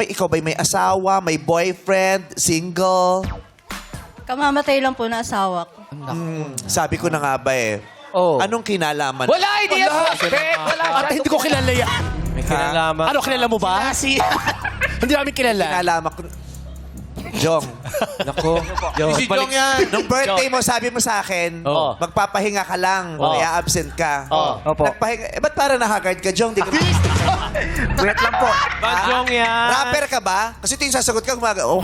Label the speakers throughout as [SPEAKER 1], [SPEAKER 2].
[SPEAKER 1] ikaw ba'y may asawa, may boyfriend, single?
[SPEAKER 2] Kamamatay lang po na asawa ko.
[SPEAKER 1] Sabi ko na nga ba eh.
[SPEAKER 3] Oh.
[SPEAKER 1] Anong kinalaman?
[SPEAKER 3] Wala idea po! Wala.
[SPEAKER 4] Ate, hindi ko kilala yan.
[SPEAKER 5] May kinalaman.
[SPEAKER 4] Ano, kilala mo ba? Hindi namin kilala.
[SPEAKER 1] Kinalaman ko. Jong,
[SPEAKER 5] Nako.
[SPEAKER 4] Si Jong yan.
[SPEAKER 1] nung birthday mo, sabi mo sa akin,
[SPEAKER 3] Oo.
[SPEAKER 1] magpapahinga ka lang, kaya absent ka.
[SPEAKER 3] Opo.
[SPEAKER 1] Nagpahinga, ba't para nahagard ka, Jong? Di ka... Wait lang po.
[SPEAKER 5] Bajong yan.
[SPEAKER 1] Rapper ka ba? Kasi ito yung sasagot ka,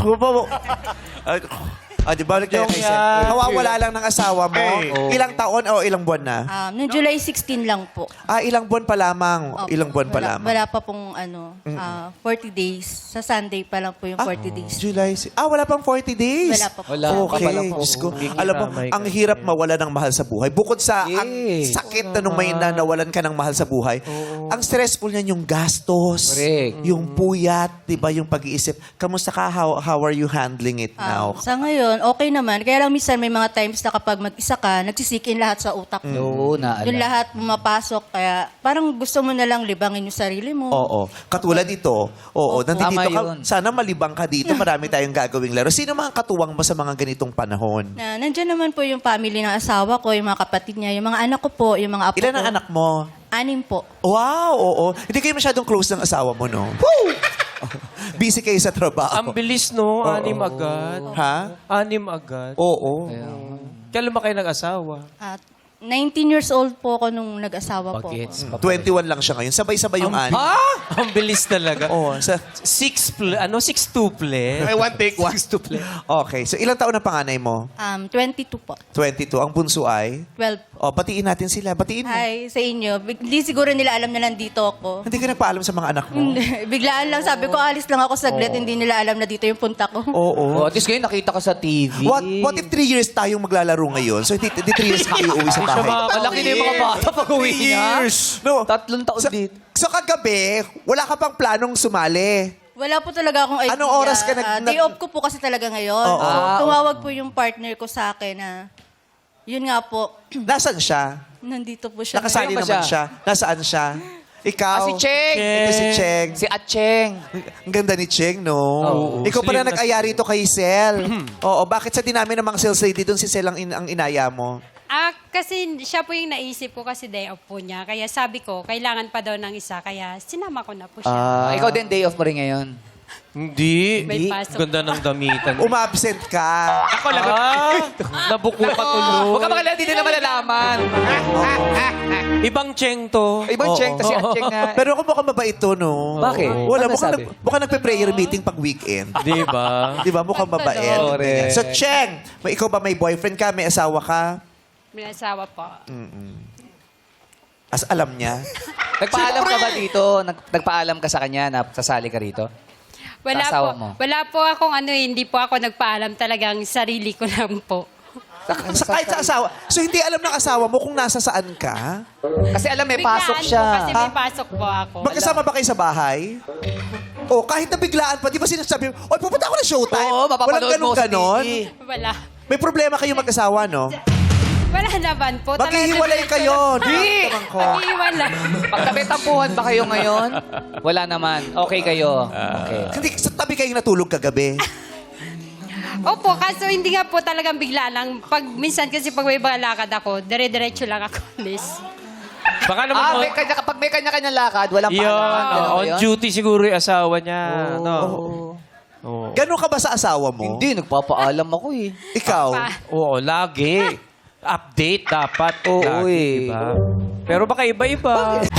[SPEAKER 1] di ba?
[SPEAKER 5] Jong yan.
[SPEAKER 1] Nawawala lang ng asawa mo. Ilang taon o ilang buwan na?
[SPEAKER 2] Noong July 16 lang po.
[SPEAKER 1] Ilang buwan pa lamang.
[SPEAKER 2] Opo.
[SPEAKER 1] Ilang buwan pa lamang.
[SPEAKER 2] Wala pa pong 40 days. Sa Sunday pa lang po yung 40 days.
[SPEAKER 1] July. Wala pang 40 days.
[SPEAKER 2] Wala pa po.
[SPEAKER 3] Wala.
[SPEAKER 1] Okay.
[SPEAKER 3] Wala pa.
[SPEAKER 1] Diyos ko.
[SPEAKER 5] Bigla,
[SPEAKER 1] Alam mo,
[SPEAKER 5] my
[SPEAKER 1] ang
[SPEAKER 5] God.
[SPEAKER 1] hirap mawala ng mahal sa buhay. Bukod sa ang
[SPEAKER 3] Yes.
[SPEAKER 1] sakit na nung may nawalan ka ng mahal sa buhay, ang stressful niyan yung gastos,
[SPEAKER 3] Correct.
[SPEAKER 1] yung puyat, di ba, yung pag-iisip. Kamusta ka? How are you handling it now?
[SPEAKER 2] Sa ngayon, okay naman. Kaya lang minsan may mga times na kapag mag-isa ka, nagsisikin lahat sa utak mo.
[SPEAKER 3] Oo, naalala.
[SPEAKER 2] Yung lahat pumapasok. Kaya parang gusto mo na lang libangin yung sarili mo.
[SPEAKER 1] Oo. Katulad dito, nandito
[SPEAKER 3] Tama
[SPEAKER 1] ka.
[SPEAKER 3] yun.
[SPEAKER 1] Sana malibang ka dito. Marami tayong gagawing laro. Sino mga katuwang mo sa mga ganitong panahon?
[SPEAKER 2] Nandyan naman po yung family ng asawa ko, yung mga kapatid niya, yung mga anak ko po, yung mga apo
[SPEAKER 1] Ilan
[SPEAKER 2] ko.
[SPEAKER 1] ang anak mo?
[SPEAKER 2] 6 po.
[SPEAKER 1] Wow, oo. Hindi kayo masyadong close ng asawa mo, no? Busy kayo sa trabaho.
[SPEAKER 5] Ang bilis, no? 6 agad.
[SPEAKER 1] Ha?
[SPEAKER 5] 6 agad.
[SPEAKER 1] Oo.
[SPEAKER 5] Kailan ba kayo nag-asawa?
[SPEAKER 2] At 19 years old po ako nung nag-asawa po.
[SPEAKER 3] Bagets.
[SPEAKER 1] 21 lang siya ngayon. Sabay-sabay yung ani.
[SPEAKER 5] Ang bilis talaga.
[SPEAKER 1] Oo.
[SPEAKER 5] 6'2 play.
[SPEAKER 4] May one take, one.
[SPEAKER 1] Okay. So, ilang taon na panganay mo?
[SPEAKER 2] 22 po.
[SPEAKER 1] 22. Ang bunso ay?
[SPEAKER 2] 12.
[SPEAKER 1] Batiin natin sila. Batiin mo.
[SPEAKER 2] Hi sa inyo. Hindi siguro nila alam na nandito ako.
[SPEAKER 1] Hindi ka nagpaalam sa mga anak mo?
[SPEAKER 2] Biglaan lang sabi ko, alis lang ako saglit. Hindi nila alam na dito yung punta ko.
[SPEAKER 1] Oo.
[SPEAKER 3] Oh, at least ngayon nakita ka sa TV.
[SPEAKER 1] What if 3 years tayong maglalaro ngayon? So, hindi 3 years ka kayo uwi sa
[SPEAKER 5] Siya
[SPEAKER 1] bahay.
[SPEAKER 3] Malaki na yung mga bata pag uwi niya.
[SPEAKER 1] No.
[SPEAKER 3] 3 taon din.
[SPEAKER 1] So, kagabi, wala ka pang planong sumali.
[SPEAKER 2] Wala po talaga akong idea.
[SPEAKER 1] Anong oras ka
[SPEAKER 2] Day off ko po kasi talaga ngayon.
[SPEAKER 1] Oo.
[SPEAKER 2] So, tumawag po yung partner ko sa akin na, yun nga po,
[SPEAKER 1] Nasaan siya?
[SPEAKER 2] nandito po siya.
[SPEAKER 1] Nakasali
[SPEAKER 3] Ngayon ba
[SPEAKER 1] naman
[SPEAKER 3] siya?
[SPEAKER 1] siya. Nasaan siya? Ikaw?
[SPEAKER 3] Si Cheng.
[SPEAKER 1] Ito si Cheng.
[SPEAKER 3] Si Acheng.
[SPEAKER 1] Ang ganda ni Cheng, no?
[SPEAKER 3] Oo.
[SPEAKER 1] Ikaw pala
[SPEAKER 5] Slim na
[SPEAKER 1] nag-aya rito kay Sel. Oo, bakit sa dinami ng mga sales lady doon si Sel ang inaya mo?
[SPEAKER 6] Kasi siya po yung naisip ko kasi day off po niya. Kaya sabi ko, kailangan pa daw ng isa. Kaya sinama ko na po siya.
[SPEAKER 3] Ikaw din day off mo rin ngayon.
[SPEAKER 5] Hindi.
[SPEAKER 6] May pasok.
[SPEAKER 5] Ganda ng damitan.
[SPEAKER 1] Umabsent ka.
[SPEAKER 5] Ako lang. Nabuko ka tuloy.
[SPEAKER 3] Huwag ka makalala, hindi nila malalaman.
[SPEAKER 5] Ibang cheng to.
[SPEAKER 3] Ibang Cheng, tas si Acheng na.
[SPEAKER 1] Pero ako mukhang mabait to, no?
[SPEAKER 3] Bakit?
[SPEAKER 1] Wala,
[SPEAKER 3] Ano
[SPEAKER 1] mukhang,
[SPEAKER 3] sabi?
[SPEAKER 1] mukhang nagpe-prayer meeting pag weekend.
[SPEAKER 5] Di ba?
[SPEAKER 1] Di ba? Mukhang mabait.
[SPEAKER 3] Correct.
[SPEAKER 1] So, Cheng, ikaw ba may boyfriend ka? May asawa ka?
[SPEAKER 6] May asawa po.
[SPEAKER 1] As alam niya?
[SPEAKER 3] Nagpaalam ka ba dito? Nagpaalam ka sa kanya na sasali ka rito?
[SPEAKER 6] Wala
[SPEAKER 3] Sa asawa
[SPEAKER 6] po.
[SPEAKER 3] mo?
[SPEAKER 6] Wala po akong hindi po ako nagpaalam. Talagang sarili ko lang po.
[SPEAKER 1] Kahit sa asawa. So, hindi alam ng asawa mo kung nasa saan ka?
[SPEAKER 3] Kasi alam, may pasok
[SPEAKER 6] Biglaan
[SPEAKER 3] siya.
[SPEAKER 6] Po, kasi may pasok po ako.
[SPEAKER 1] Magkasama ba kayo sa bahay? O, kahit na biglaan pa, di ba sinasabi, oy, pupunta ako na showtime.
[SPEAKER 3] Oo, mapapanood mo sa
[SPEAKER 1] ganon.
[SPEAKER 3] TV.
[SPEAKER 6] Wala.
[SPEAKER 1] May problema kayo mag-asawa, no?
[SPEAKER 6] Wala naman po.
[SPEAKER 1] Maghihiwalay kayo.
[SPEAKER 3] Di!
[SPEAKER 6] Maghihiwalay.
[SPEAKER 3] Pagtabi-tampuhan ba kayo ngayon? Wala naman. Okay kayo. Okay.
[SPEAKER 1] Hindi, sa tabi kayong natulog kagabi.
[SPEAKER 6] Opo, kaso hindi nga po talagang bigla lang. Minsan kasi pag may mga lakad ako, dire-diretso lang ako alis.
[SPEAKER 5] Baka naman
[SPEAKER 3] Pag may kanya-kanya lakad, walang
[SPEAKER 5] Yun,
[SPEAKER 3] paalam. Ganun ba
[SPEAKER 5] on
[SPEAKER 3] yun?
[SPEAKER 5] duty siguro yung asawa niya. No? Oo.
[SPEAKER 1] Ganon ka ba sa asawa mo?
[SPEAKER 3] Hindi, nagpapaalam ako eh.
[SPEAKER 1] Ikaw?
[SPEAKER 5] Oo, lagi. Update dapat.
[SPEAKER 3] Oo,
[SPEAKER 5] lagi,
[SPEAKER 3] eh.
[SPEAKER 5] diba? Pero baka iba-iba.